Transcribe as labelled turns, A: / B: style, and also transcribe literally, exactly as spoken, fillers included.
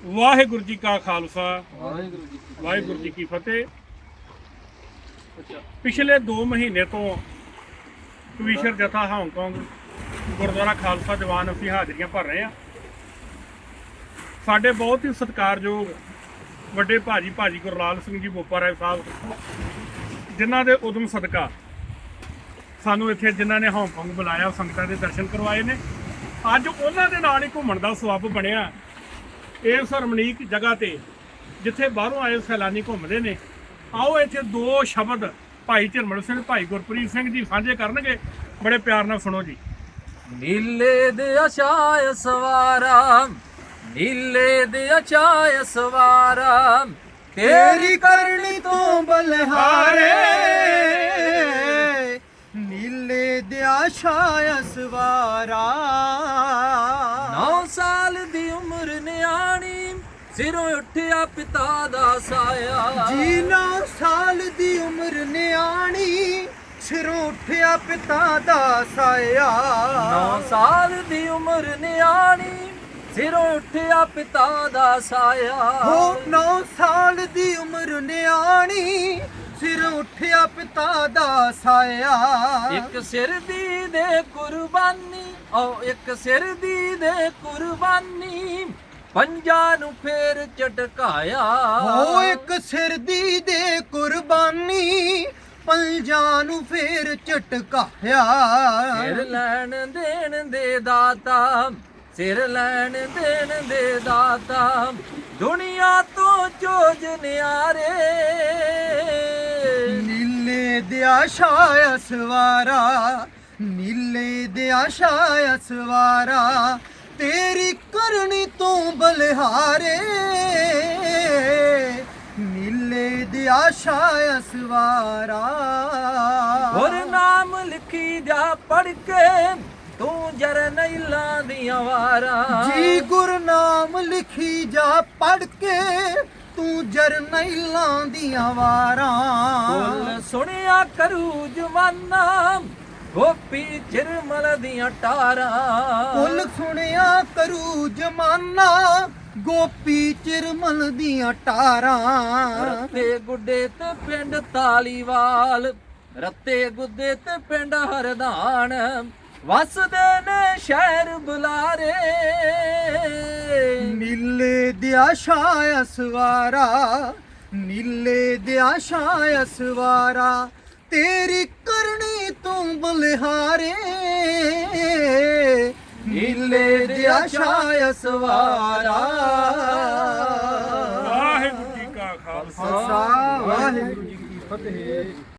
A: ਵਾਹਿਗੁਰੂ ਜੀ ਕਾ ਖਾਲਸਾ
B: ਵਾਹਿਗੁਰੂ ਜੀ ਕੀ
A: ਵਾਹਿਗੁਰੂ ਜੀ ਕੀ ਫਤਿਹ।
B: ਅੱਛਾ
A: ਪਿਛਲੇ ਦੋ ਮਹੀਨੇ ਤੋਂ ਕਵੀਸ਼ਰ ਜਥਾ ਹਾਂਗਕਾਂਗ ਗੁਰਦੁਆਰਾ ਖਾਲਸਾ ਦੀਵਾਨ ਅਸੀਂ ਹਾਜ਼ਰੀਆਂ ਭਰ ਰਹੇ ਹਾਂ। ਸਾਡੇ ਬਹੁਤ ਹੀ ਸਤਿਕਾਰਯੋਗ ਵੱਡੇ ਭਾਜੀ ਭਾਜੀ ਗੁਰਲਾਲ ਸਿੰਘ ਜੀ ਬੋਪਾ ਰਾਏ ਸਾਹਿਬ, ਜਿਨ੍ਹਾਂ ਦੇ ਉਦਮ ਸਦਕਾ ਸਾਨੂੰ ਇੱਥੇ ਜਿਨ੍ਹਾਂ ਨੇ ਹਾਂਗਕਾਂਗ ਬੁਲਾਇਆ, ਸੰਗਤਾਂ ਦੇ ਦਰਸ਼ਨ ਕਰਵਾਏ ਨੇ। ਅੱਜ ਉਹਨਾਂ ਦੇ ਨਾਲ ਹੀ ਘੁੰਮਣ ਦਾ ਸਬੱਬ ਬਣਿਆ ਇਸ ਰਮਣੀਕ ਜਗ੍ਹਾ ਤੇ ਜਿੱਥੇ ਬਾਹਰੋਂ ਆਏ ਸੈਲਾਨੀ ਘੁੰਮਦੇ ਨੇ। ਆਓ ਇੱਥੇ ਦੋ ਸ਼ਬਦ ਭਾਈ ਝਰਮਲ ਸਿੰਘ, ਭਾਈ ਗੁਰਪ੍ਰੀਤ ਸਿੰਘ ਜੀ ਸਾਂਝੇ ਕਰਨਗੇ। ਬੜੇ ਪਿਆਰ ਨਾਲ ਸੁਣੋ ਜੀ।
B: ਨੀਲੇ ਦੇ ਅਛਾਇ ਸਵਾਰਾ, ਨੀਲੇ ਦੇ ਅਛਾਇ ਸਵਾਰਾ, ਤੇਰੀ ਕਰਨੀ ਤੋਂ ਬਲਿਹਾਰੇ।
C: ਨੀਲੇ ਦੇ ਆਸ਼ਾਇ ਸਵਾਰਾ,
B: ਨੌ ਸਾਲ ਦੀ ਉਮਰ ਨਿਆਣੀ, ਸਿਰੋਂ ਉੱਠਿਆ ਪਿਤਾ ਦਾ ਸਾਇਆ।
C: ਜੀ ਨੌ ਸਾਲ ਦੀ ਉਮਰ ਨਿਆਣੀ, ਸਿਰੋਂ ਉੱਠਿਆ ਪਿਤਾ ਦਾ ਸਾਇਆ।
B: ਨੌ ਸਾਲ ਦੀ ਉਮਰ ਨਿਆਣੀ, ਸਿਰੋਂ ਉੱਠਿਆ ਪਿਤਾ ਦਾ ਸਾਇਆ।
C: ਹੋ ਨੌ ਸਾਲ ਦੀ ਉਮਰ ਨਿਆਣੀ, ਸਿਰ ਉੱਠਿਆ ਪਿਤਾ ਦਾ ਸਾਇਆ।
B: ਇੱਕ ਸਿਰ ਦੀ ਦੇ ਕੁਰਬਾਨੀ, ਓ ਇੱਕ ਸਿਰ ਦੀ ਦੇ ਕੁਰਬਾਨੀ, ਪੰਜਾਂ ਨੂੰ ਫੇਰ ਝਟਕਾਇਆ।
C: ਹੋ ਇੱਕ ਸਿਰ ਦੀ ਦੇ ਕੁਰਬਾਨੀ, ਪੰਜਾਂ ਨੂੰ ਫੇਰ ਝਟਕਾਇਆ।
B: ਸਿਰ ਲੈਣ ਦੇਣ ਦੇ ਦਾਤਾ, ਸਿਰ ਲੈਣ ਦੇਣ ਦੇ ਦਾਤਾ, ਦੁਨੀਆ ਤੋਂ ਚੋਜ ਨਿਆਰੇ।
C: ਨੀਲੇ ਦੇ ਆਸ਼ਾਇ ਸਵਾਰਾ, ਨੀਲੇ ਦੇ ਆਸ਼ਾਇ ਸਵਾਰਾ, ਤੇਰੀ ਕਰਨੀ ਤੋਂ ਬਲਿਹਾਰੇ। ਨੀਲੇ ਦੇ ਆਸ਼ਾਇ ਸਵਾਰਾ,
B: ਹੋਰ ਨਾਮ ਲਿਖੀ ਜਾ ਪੜ ਕੇ, ਤੂੰ ਜਰਨੈਲਾਂ ਦੀਆਂ ਵਾਰਾਂ।
C: ਜੀ ਗੁਰਨਾਮ ਲਿਖੀ ਜਾ ਪੜ ਕੇ, ਤੂੰ ਜਰਨੈਲਾਂ ਦੀਆਂ ਵਾਰਾਂ।
B: ਬੋਲ ਸੁਣਿਆ ਕਰੂ ਜਵਾਨਾ, ਗੋਪੀ ਚਿਰਮਲ ਦੀਆਂ ਟਾਰਾਂ।
C: ਕੁੱਲ ਸੁਣਿਆ ਕਰੂ ਜਮਾਨਾ, ਗੋਪੀ ਚਿਰਮਲ ਦੀਆਂ ਟਾਰਾਂ।
B: ਰੱਤੇ ਗੁੱਡੇ ਤੇ ਪਿੰਡ ਤਾਲੀਵਾਲ, ਰੱਤੇ ਗੁੱਡੇ ਤੇ ਪਿੰਡ ਹਰਦਾਨ, ਵਸਦੇ ਨੇ ਸ਼ਹਿਰ ਬੁਲਾਰੇ।
C: ਨੀਲੇ ਦੇ ਆਸ਼ਾਇ ਸਵਾਰਾ, ਨੀਲੇ ਦੇ ਆਸ਼ਾਇ ਸਵਾਰਾ, ਤੇਰੀ ਕਰਨੀ ਤੂੰ ਬਲਿਹਾਰੇ। ਨੀਲੇ ਦੇ ਆਸ਼ਾਇ ਸਵਾਰਾ।
A: ਵਾਹਿਗੁਰੂ ਜੀ ਕਾ ਖਾਲਸਾ
C: ਖਾਲਸਾ ਵਾਹਿਗੁਰੂ ਜੀ ਕੀ ਫਤਿਹ।